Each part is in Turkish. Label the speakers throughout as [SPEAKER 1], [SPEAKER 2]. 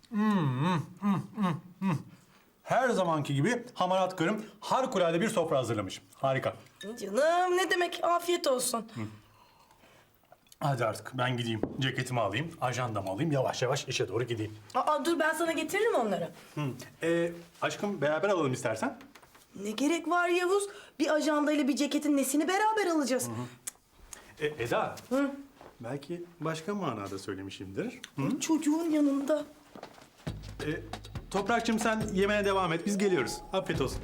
[SPEAKER 1] Her zamanki gibi hamarat karım harikulade bir sofra hazırlamış. Harika.
[SPEAKER 2] Canım ne demek, afiyet olsun.
[SPEAKER 1] Hadi artık ben gideyim. Ceketimi alayım, ajandamı alayım. Yavaş yavaş işe doğru gideyim.
[SPEAKER 2] Aa, dur ben sana getiririm onları.
[SPEAKER 1] Aşkım beraber alalım istersen.
[SPEAKER 2] Ne gerek var Yavuz? Bir ajandayla bir ceketin nesini beraber alacağız?
[SPEAKER 1] Eda. Belki başka manada söylemişimdir.
[SPEAKER 2] Çocuğun yanında.
[SPEAKER 1] Toprakçığım sen yemeğe devam et. Biz geliyoruz. Afiyet olsun.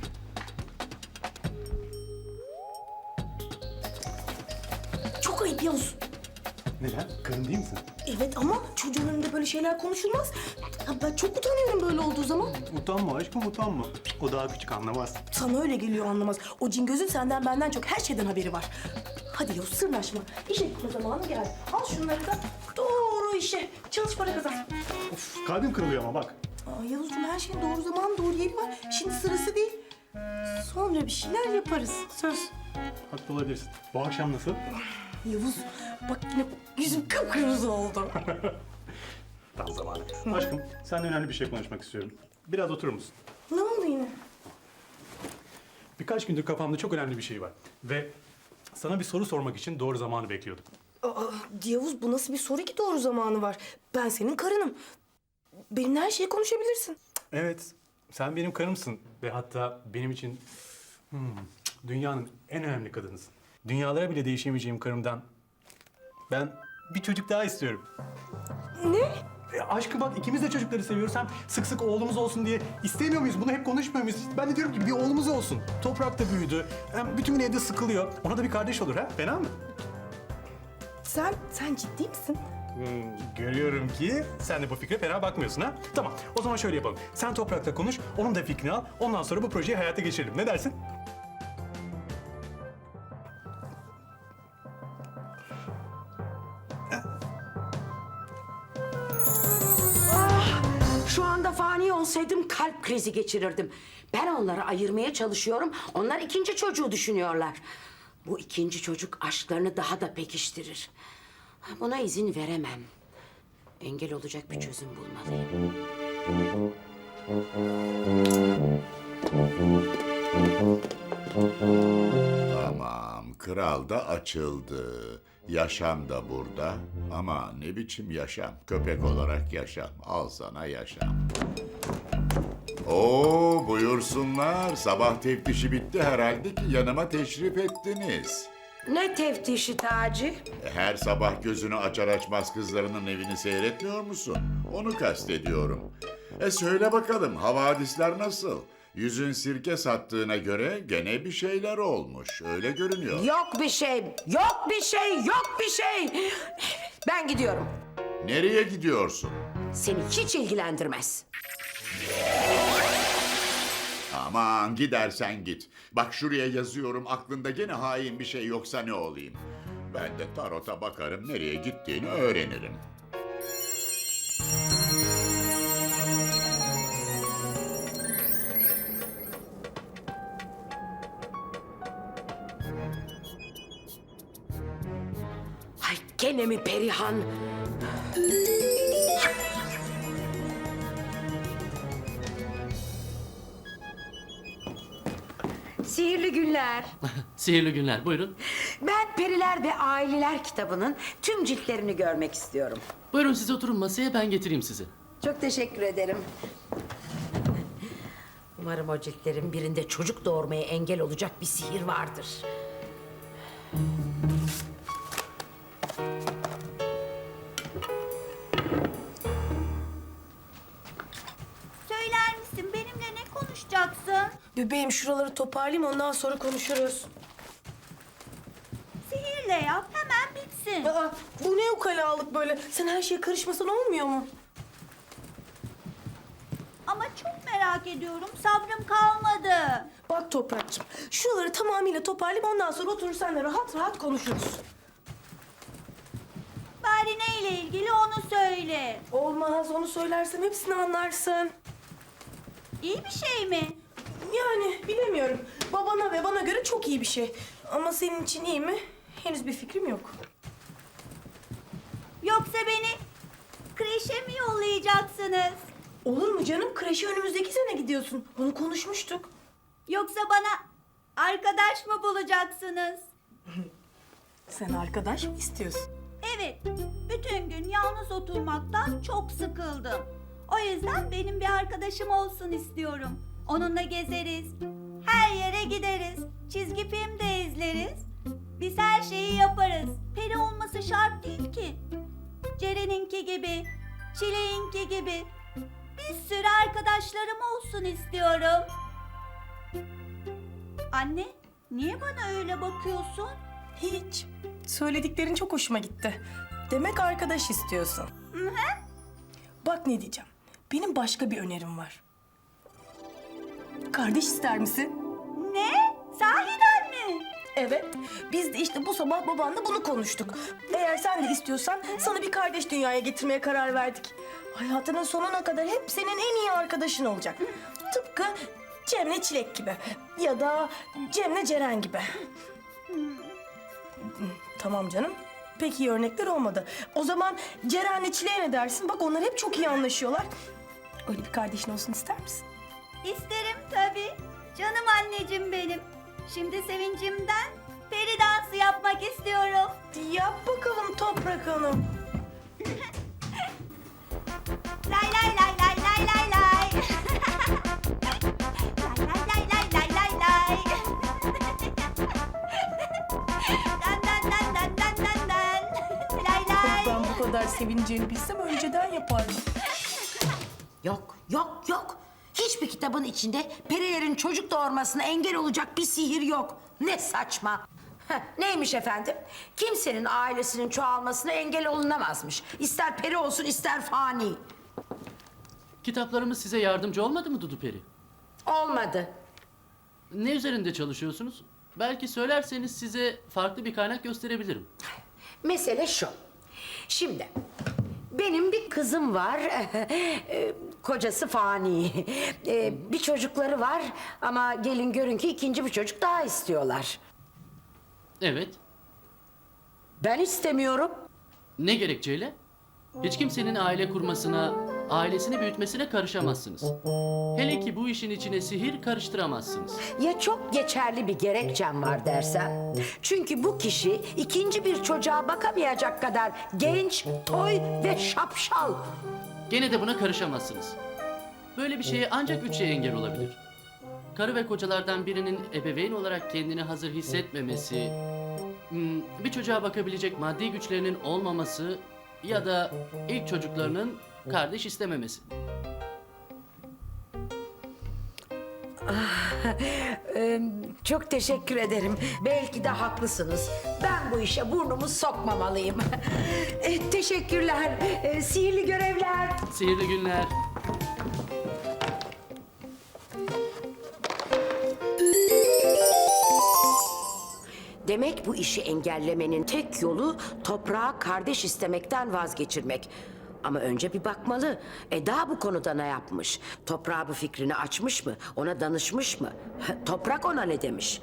[SPEAKER 2] Çok ayıp Yavuz.
[SPEAKER 1] Neden? Karın değil misin?
[SPEAKER 2] Evet ama çocuğun önünde böyle şeyler konuşulmaz. Ya ben çok utanıyorum böyle olduğu zaman.
[SPEAKER 1] Utanma aşkım utanma. O daha küçük anlamaz.
[SPEAKER 2] Sana öyle geliyor anlamaz. O cingözün senden benden çok her şeyden haberi var. Hadi Yavuz sırnaşma. İşe gitme zamanı geldi. Al şunları da doğru işe. Çalış para kazan.
[SPEAKER 1] Of, kalbim kırılıyor ama bak.
[SPEAKER 2] Aa, Yavuzcuğum her şeyin doğru zamanı doğru yeri var. Şimdi sırası değil. Sonra bir şeyler yaparız. Söz.
[SPEAKER 1] Haklı olabilirsin. Bu akşam nasıl?
[SPEAKER 2] Yavuz bak yine yüzüm kıpkırmızı oldu.
[SPEAKER 1] Tam zamanı. Aşkım seninle önemli bir şey konuşmak istiyorum. Biraz oturur musun?
[SPEAKER 2] Ne oldu yine?
[SPEAKER 1] Birkaç gündür kafamda çok önemli bir şey var. Ve sana bir soru sormak için doğru zamanı bekliyordum.
[SPEAKER 2] Aa, Yavuz bu nasıl bir soru ki doğru zamanı var? Ben senin karınım. Benimle her şeyi konuşabilirsin.
[SPEAKER 1] Evet, sen benim karımsın ve hatta benim için dünyanın en önemli kadınısın. Dünyalara bile değişemeyeceğim karımdan ben bir çocuk daha istiyorum.
[SPEAKER 2] Ne?
[SPEAKER 1] Aşkım bak ikimiz de çocukları seviyoruz. Hem sık sık oğlumuz olsun diye istemiyor muyuz? Bunu hep konuşmuyor muyuz? Ben de diyorum ki bir oğlumuz olsun. Toprak da büyüdü. Hem bütün gün evde sıkılıyor. Ona da bir kardeş olur ha? Fena mı?
[SPEAKER 2] Sen ciddi misin?
[SPEAKER 1] Görüyorum ki sen de bu fikre fena bakmıyorsun ha? Tamam, o zaman şöyle yapalım. Sen Toprak'la konuş, onun da fikrini al. Ondan sonra bu projeyi hayata geçirelim. Ne dersin?
[SPEAKER 3] Şu anda fani olsaydım kalp krizi geçirirdim. Ben onları ayırmaya çalışıyorum. Onlar ikinci çocuğu düşünüyorlar. Bu ikinci çocuk aşklarını daha da pekiştirir. Buna izin veremem. Engel olacak bir çözüm bulmalıyım.
[SPEAKER 4] Tamam, kral da açıldı. Yaşam da burada. Ama ne biçim yaşam? Köpek olarak yaşam. Al sana yaşam. Oo, buyursunlar. Sabah teftişi bitti herhalde ki yanıma teşrif ettiniz.
[SPEAKER 3] Ne teftişi Taci?
[SPEAKER 4] Her sabah gözünü açar açmaz kızlarının evini seyretmiyor musun? Onu kastediyorum. Söyle bakalım, havadisler nasıl? Yüzün sirke sattığına göre gene bir şeyler olmuş. Öyle görünüyor.
[SPEAKER 3] Yok bir şey, yok bir şey, yok bir şey. Ben gidiyorum.
[SPEAKER 4] Nereye gidiyorsun?
[SPEAKER 3] Seni hiç ilgilendirmez.
[SPEAKER 4] Aman gidersen git. Bak şuraya yazıyorum, aklında gene hain bir şey yoksa ne olayım? Ben de tarota bakarım, nereye gittiğini öğrenirim.
[SPEAKER 3] Ay gene mi Perihan? Sihirli günler.
[SPEAKER 5] Sihirli günler, buyurun.
[SPEAKER 3] Ben Periler ve Aileler kitabının tüm ciltlerini görmek istiyorum.
[SPEAKER 5] Buyurun siz oturun masaya, ben getireyim sizi.
[SPEAKER 3] Çok teşekkür ederim. Umarım o ciltlerin birinde çocuk doğurmaya engel olacak bir sihir vardır.
[SPEAKER 6] Söyler misin benimle ne konuşacaksın?
[SPEAKER 2] Bebeğim şuraları toparlayayım ondan sonra konuşuruz.
[SPEAKER 6] Sihirle yap hemen bitsin.
[SPEAKER 2] Aa, bu ne ukalalık böyle? Sen her şeye karışmasan olmuyor mu?
[SPEAKER 6] Ama çok merak ediyorum sabrım kalmadı.
[SPEAKER 2] Bak Toprak'cığım şuraları tamamıyla toparlayayım ondan sonra oturur senle rahat rahat konuşuruz.
[SPEAKER 6] Bari neyle ilgili onu söyle.
[SPEAKER 2] Olmaz onu söylersem hepsini anlarsın.
[SPEAKER 6] İyi bir şey mi?
[SPEAKER 2] Yani bilemiyorum. Babana ve bana göre çok iyi bir şey. Ama senin için iyi mi? Henüz bir fikrim yok.
[SPEAKER 6] Yoksa beni kreşe mi yollayacaksınız?
[SPEAKER 2] Olur mu canım? Kreşe önümüzdeki sene gidiyorsun. Onu konuşmuştuk.
[SPEAKER 6] Yoksa bana arkadaş mı bulacaksınız?
[SPEAKER 2] Sen arkadaş mı istiyorsun?
[SPEAKER 6] Evet, bütün gün yalnız oturmaktan çok sıkıldım. O yüzden benim bir arkadaşım olsun istiyorum. Onunla gezeriz, her yere gideriz, çizgi film de izleriz. Biz her şeyi yaparız. Peri olması şart değil ki. Ceren'inki gibi, Çileğinki gibi bir sürü arkadaşlarım olsun istiyorum. Anne, niye bana öyle bakıyorsun?
[SPEAKER 2] Hiç. Söylediklerin çok hoşuma gitti. Demek arkadaş istiyorsun.
[SPEAKER 6] Hı hı.
[SPEAKER 2] Bak ne diyeceğim. Benim başka bir önerim var. Kardeş ister misin?
[SPEAKER 6] Ne? Sahiden mi?
[SPEAKER 2] Evet. Biz de işte bu sabah babanla bunu konuştuk. Eğer sen de istiyorsan sana bir kardeş dünyaya getirmeye karar verdik. Hayatının sonuna kadar hep senin en iyi arkadaşın olacak. Tıpkı Cem'le Çilek gibi. Ya da Cem'le Ceren gibi. Tamam canım. Pek iyi örnekler olmadı. O zaman Ceren'le Çilek'e ne dersin? Bak onlar hep çok iyi anlaşıyorlar. Öyle bir kardeşin olsun ister misin?
[SPEAKER 6] İsterim tabii. Canım anneciğim benim. Şimdi sevincimden peri dansı yapmak istiyorum.
[SPEAKER 2] Yap bakalım Toprak Hanım.
[SPEAKER 6] Lay lay lay lay lay lay lay. Lay lay lay lay lay lay. Dan dan dan dan dan dan dan. Lay lay.
[SPEAKER 2] Ben bu kadar sevineceğini bilsem önceden yapardım.
[SPEAKER 3] Yok, yok, yok. Hiçbir kitabın içinde perilerin çocuk doğurmasına engel olacak bir sihir yok. Ne saçma. Neymiş efendim? Kimsenin ailesinin çoğalmasına engel olunamazmış. İster peri olsun ister fani.
[SPEAKER 5] Kitaplarımız size yardımcı olmadı mı Dudu Peri?
[SPEAKER 3] Olmadı.
[SPEAKER 5] Ne üzerinde çalışıyorsunuz? Belki söylerseniz size farklı bir kaynak gösterebilirim.
[SPEAKER 3] Mesele şu. Şimdi benim bir kızım var. Kocası fani. Bir çocukları var ama gelin görün ki ikinci bir çocuk daha istiyorlar.
[SPEAKER 5] Evet.
[SPEAKER 3] Ben istemiyorum.
[SPEAKER 5] Ne gerekçeyle? Hiç kimsenin aile kurmasına, ailesini büyütmesine karışamazsınız. Hele ki bu işin içine sihir karıştıramazsınız.
[SPEAKER 3] Ya çok geçerli bir gerekçem var dersen? Çünkü bu kişi ikinci bir çocuğa bakamayacak kadar genç, toy ve şapşal.
[SPEAKER 5] Gene de buna karışamazsınız. Böyle bir şeye ancak 3 şey engel olabilir. Karı ve kocalardan birinin ebeveyn olarak kendini hazır hissetmemesi, bir çocuğa bakabilecek maddi güçlerinin olmaması ya da ilk çocuklarının kardeş istememesi.
[SPEAKER 3] Çok teşekkür ederim. Belki de haklısınız. Ben bu işe burnumu sokmamalıyım. Teşekkürler. Sihirli görevler.
[SPEAKER 5] Sihirli günler.
[SPEAKER 3] Demek bu işi engellemenin tek yolu toprağa kardeş istemekten vazgeçirmek. Ama önce bir bakmalı. Eda bu konuda ne yapmış? Toprağa bu fikrini açmış mı? Ona danışmış mı? Toprak ona ne demiş?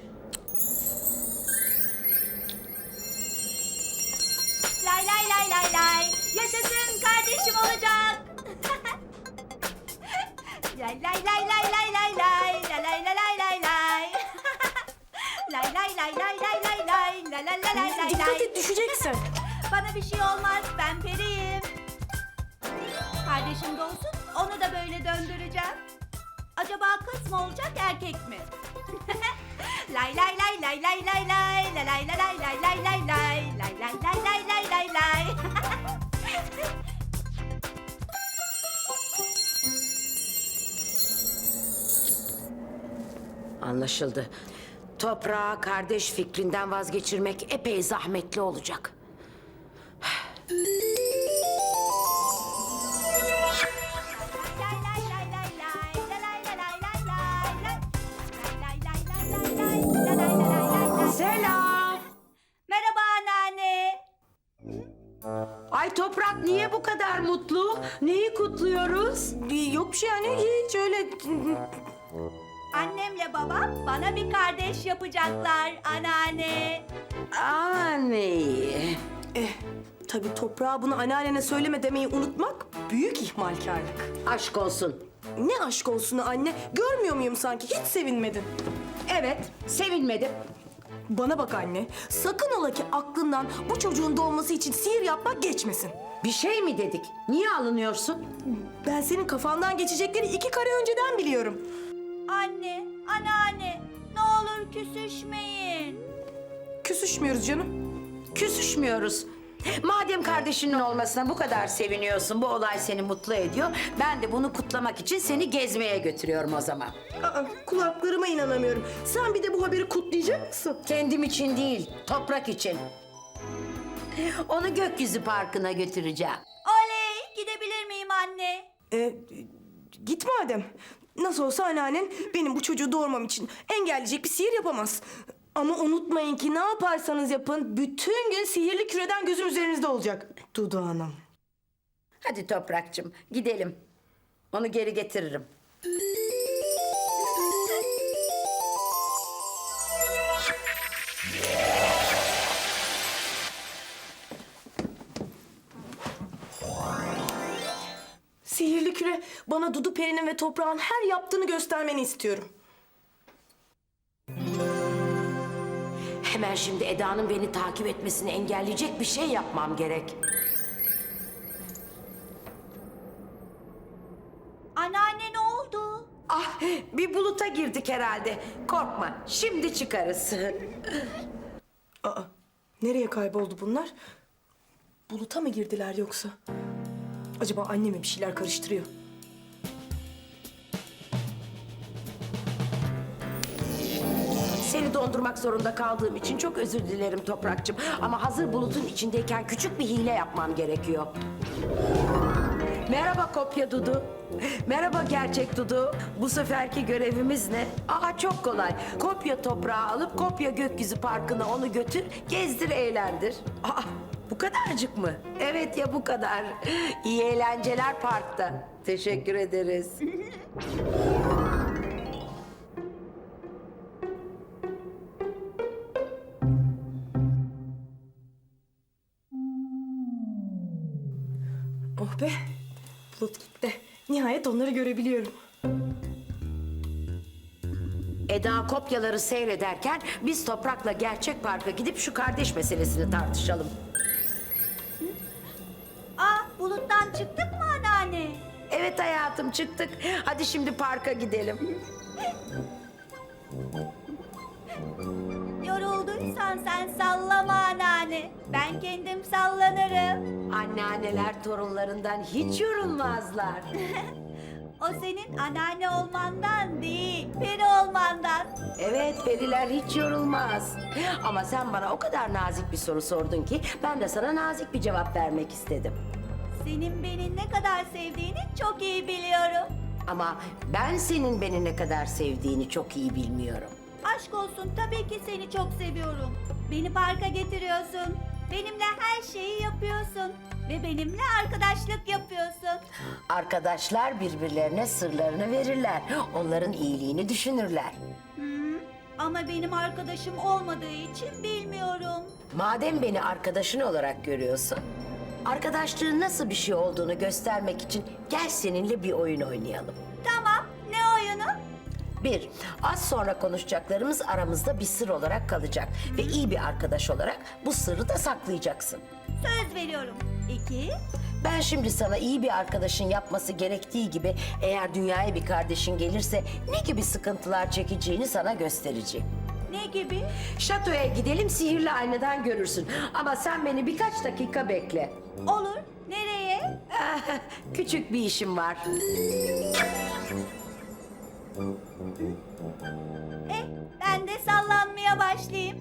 [SPEAKER 6] Lay lay lay lay lay. Yaşasın kardeşim olacak. Lay lay lay lay lay lay lay. La lay la lay lay lay. Lay lay lay lay lay lay lay. La la la lay lay
[SPEAKER 2] Dikkat
[SPEAKER 6] lay.
[SPEAKER 2] et düşeceksin.
[SPEAKER 6] Bana bir şey olmaz, ben periyim. Kardeşim de olsun, onu da böyle döndüreceğim. Acaba kız mı olacak, erkek mi? Lay lay lay lay lay lay lay. La lay la lay lay lay lay lay. Lay lay lay lay lay lay lay.
[SPEAKER 3] Anlaşıldı. Toprağa kardeş fikrinden vazgeçirmek epey zahmetli olacak.
[SPEAKER 6] Lay lay lay lay lay. La lay la lay lay lay lay. Lay lay lay lay lay lay. La lay la lay lay lay.
[SPEAKER 3] Selam.
[SPEAKER 6] Merhaba anneanne.
[SPEAKER 3] Ay Toprak niye bu kadar mutlu? Neyi kutluyoruz?
[SPEAKER 2] Yok bir şey yani hiç öyle.
[SPEAKER 6] Annemle babam bana bir kardeş yapacaklar anneanne.
[SPEAKER 3] Anne.
[SPEAKER 2] Tabii toprağa bunu anneannene söyleme demeyi unutmak büyük ihmalkarlık.
[SPEAKER 3] Aşk olsun.
[SPEAKER 2] Ne aşk olsun anne, görmüyor muyum sanki? Hiç sevinmedin.
[SPEAKER 3] Evet, sevinmedim.
[SPEAKER 2] Bana bak anne, sakın ola ki aklından bu çocuğun doğması için sihir yapmak geçmesin.
[SPEAKER 3] Bir şey mi dedik? Niye alınıyorsun?
[SPEAKER 2] Ben senin kafandan geçecekleri 2 kare önceden biliyorum.
[SPEAKER 6] Anne, anneanne, ne olur küsüşmeyin.
[SPEAKER 2] Küsüşmüyoruz canım.
[SPEAKER 3] Küsüşmüyoruz. Madem kardeşinin olmasına bu kadar seviniyorsun, bu olay seni mutlu ediyor, ben de bunu kutlamak için seni gezmeye götürüyorum o zaman.
[SPEAKER 2] Aa, kulaklarıma inanamıyorum. Sen bir de bu haberi kutlayacak mısın?
[SPEAKER 3] Kendim için değil, toprak için. Onu gökyüzü parkına götüreceğim.
[SPEAKER 6] Oley, gidebilir miyim anne?
[SPEAKER 2] Git madem. Nasıl olsa anneannen benim bu çocuğu doğurmam için engelleyecek bir sihir yapamaz. Ama unutmayın ki ne yaparsanız yapın bütün gün sihirli küreden gözüm üzerinizde olacak. Dudu Hanım.
[SPEAKER 3] Hadi toprakçım, gidelim. Onu geri getiririm.
[SPEAKER 2] Sihirli küre, bana Dudu Peri'nin ve toprağın her yaptığını göstermeni istiyorum.
[SPEAKER 3] Hemen şimdi Eda'nın beni takip etmesini engelleyecek bir şey yapmam gerek.
[SPEAKER 6] Anneanne ne oldu?
[SPEAKER 3] Ah, bir buluta girdik herhalde. Korkma, şimdi çıkarız.
[SPEAKER 2] Aa, nereye kayboldu bunlar? Buluta mı girdiler yoksa? Acaba anne mi bir şeyler karıştırıyor?
[SPEAKER 3] Seni dondurmak zorunda kaldığım için çok özür dilerim Toprakçım. Ama hazır bulutun içindeyken küçük bir hile yapmam gerekiyor. Merhaba kopya Dudu. Merhaba gerçek Dudu. Bu seferki görevimiz ne? Aa, çok kolay. Kopya toprağı alıp kopya gökyüzü parkına onu götür, gezdir, eğlendir. Aa, bu kadarcık mı? Evet ya, bu kadar. İyi eğlenceler parkta. Teşekkür ederiz.
[SPEAKER 2] Oh be, bulut gitti. Nihayet onları görebiliyorum.
[SPEAKER 3] Eda kopyaları seyrederken biz Toprak'la gerçek parka gidip şu kardeş meselesini tartışalım.
[SPEAKER 6] Buluttan çıktık mı anneanne?
[SPEAKER 3] Evet hayatım, çıktık. Hadi şimdi parka gidelim.
[SPEAKER 6] Yorulduysan sen sallama anneanne. Ben kendim sallanırım.
[SPEAKER 3] Anneanneler torunlarından hiç yorulmazlar.
[SPEAKER 6] O senin anneanne olmandan değil, peri olmandan.
[SPEAKER 3] Evet, periler hiç yorulmaz. Ama sen bana o kadar nazik bir soru sordun ki ben de sana nazik bir cevap vermek istedim.
[SPEAKER 6] Senin beni ne kadar sevdiğini çok iyi biliyorum.
[SPEAKER 3] Ama ben senin beni ne kadar sevdiğini çok iyi bilmiyorum.
[SPEAKER 6] Aşk olsun, tabii ki seni çok seviyorum. Beni parka getiriyorsun. Benimle her şeyi yapıyorsun. Ve benimle arkadaşlık yapıyorsun.
[SPEAKER 3] Arkadaşlar birbirlerine sırlarını verirler. Onların iyiliğini düşünürler.
[SPEAKER 6] Ama benim arkadaşım olmadığı için bilmiyorum.
[SPEAKER 3] Madem beni arkadaşın olarak görüyorsun, arkadaşlığın nasıl bir şey olduğunu göstermek için gel seninle bir oyun oynayalım.
[SPEAKER 6] Tamam, ne oyunu?
[SPEAKER 3] 1. Az sonra konuşacaklarımız aramızda bir sır olarak kalacak. Ve iyi bir arkadaş olarak bu sırrı da saklayacaksın.
[SPEAKER 6] Söz veriyorum. 2.
[SPEAKER 3] Ben şimdi sana iyi bir arkadaşın yapması gerektiği gibi eğer dünyaya bir kardeşin gelirse ne gibi sıkıntılar çekeceğini sana göstereceğim.
[SPEAKER 6] Ne gibi?
[SPEAKER 3] Şatoya gidelim, sihirli aynadan görürsün. Ama sen beni birkaç dakika bekle.
[SPEAKER 6] Olur. Nereye?
[SPEAKER 3] Küçük bir işim var.
[SPEAKER 6] Ben de sallanmaya başlayayım.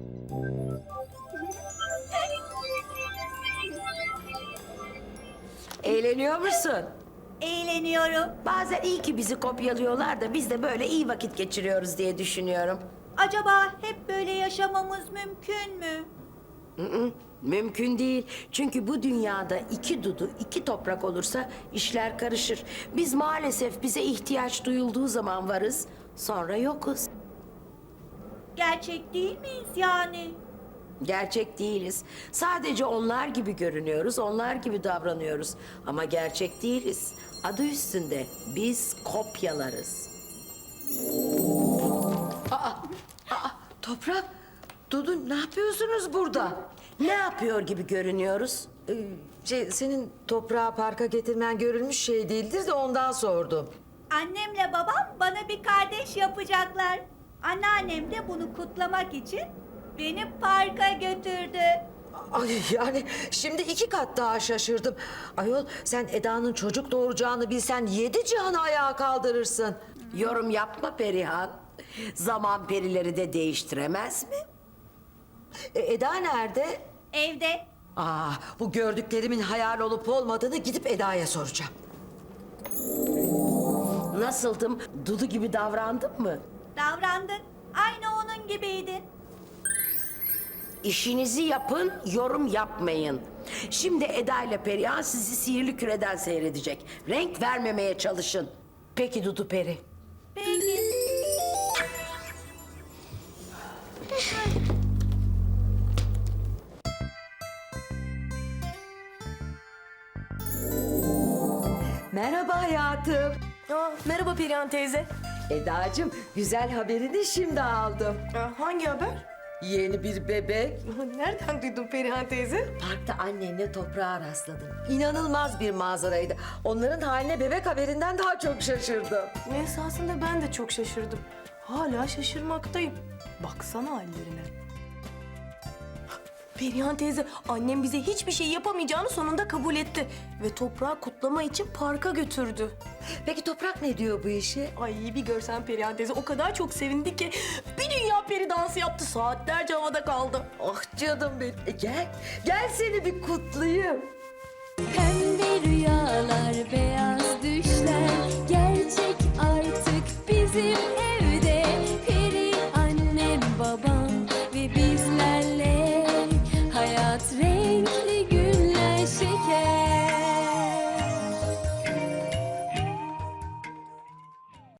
[SPEAKER 3] Eğleniyor musun?
[SPEAKER 6] Eğleniyorum.
[SPEAKER 3] Bazen iyi ki bizi kopyalıyorlar da biz de böyle iyi vakit geçiriyoruz diye düşünüyorum.
[SPEAKER 6] Acaba hep böyle yaşamamız mümkün mü?
[SPEAKER 3] Mümkün değil. Çünkü bu dünyada 2 Dudu, 2 toprak olursa işler karışır. Biz maalesef bize ihtiyaç duyulduğu zaman varız, sonra yokuz.
[SPEAKER 6] Gerçek değil miyiz yani?
[SPEAKER 3] Gerçek değiliz. Sadece onlar gibi görünüyoruz, onlar gibi davranıyoruz. Ama gerçek değiliz. Adı üstünde biz kopyalarız. Toprak, Dudu ne yapıyorsunuz burada? Ne yapıyor gibi görünüyoruz?
[SPEAKER 7] Senin toprağı parka getirmen görülmüş şey değildir de ondan sordum.
[SPEAKER 6] Annemle babam bana bir kardeş yapacaklar. Anneannem de bunu kutlamak için beni parka götürdü.
[SPEAKER 7] Ay yani şimdi 2 kat daha şaşırdım. Ayol sen Eda'nın çocuk doğuracağını bilsen 7 cihanı ayağa kaldırırsın.
[SPEAKER 3] Yorum yapma Perihan. Zaman perileri de değiştiremez mi?
[SPEAKER 7] Eda nerede?
[SPEAKER 6] Evde.
[SPEAKER 7] Bu gördüklerimin hayal olup olmadığını gidip Eda'ya soracağım.
[SPEAKER 3] Nasıldım? Dudu gibi davrandım mı?
[SPEAKER 6] Davrandın. Aynı onun gibiydin.
[SPEAKER 3] İşinizi yapın, yorum yapmayın. Şimdi Eda ile Perihan sizi sihirli küreden seyredecek. Renk vermemeye çalışın. Peki Dudu Peri.
[SPEAKER 6] Peki.
[SPEAKER 7] Merhaba hayatım.
[SPEAKER 2] Merhaba Perihan teyze.
[SPEAKER 7] Edacığım güzel haberini şimdi aldım.
[SPEAKER 2] Hangi haber?
[SPEAKER 7] Yeni bir bebek.
[SPEAKER 2] Nereden duydun Perihan teyze?
[SPEAKER 7] Parkta annemle toprağa rastladım. İnanılmaz bir manzaraydı. Onların haline bebek haberinden daha çok şaşırdım.
[SPEAKER 2] Esasında ben de çok şaşırdım. Hala şaşırmaktayım. Baksana hallerine. Perihan teyze, annem bize hiçbir şey yapamayacağını sonunda kabul etti. Ve toprağı kutlama için parka götürdü.
[SPEAKER 7] Peki Toprak ne diyor bu işe?
[SPEAKER 2] Ay bir görsen Perihan teyze, o kadar çok sevindi ki bir dünya peri dansı yaptı, saatlerce havada kaldı.
[SPEAKER 7] Ah canım benim. Gel seni bir kutlayayım.
[SPEAKER 8] Pembe rüyalar, beyaz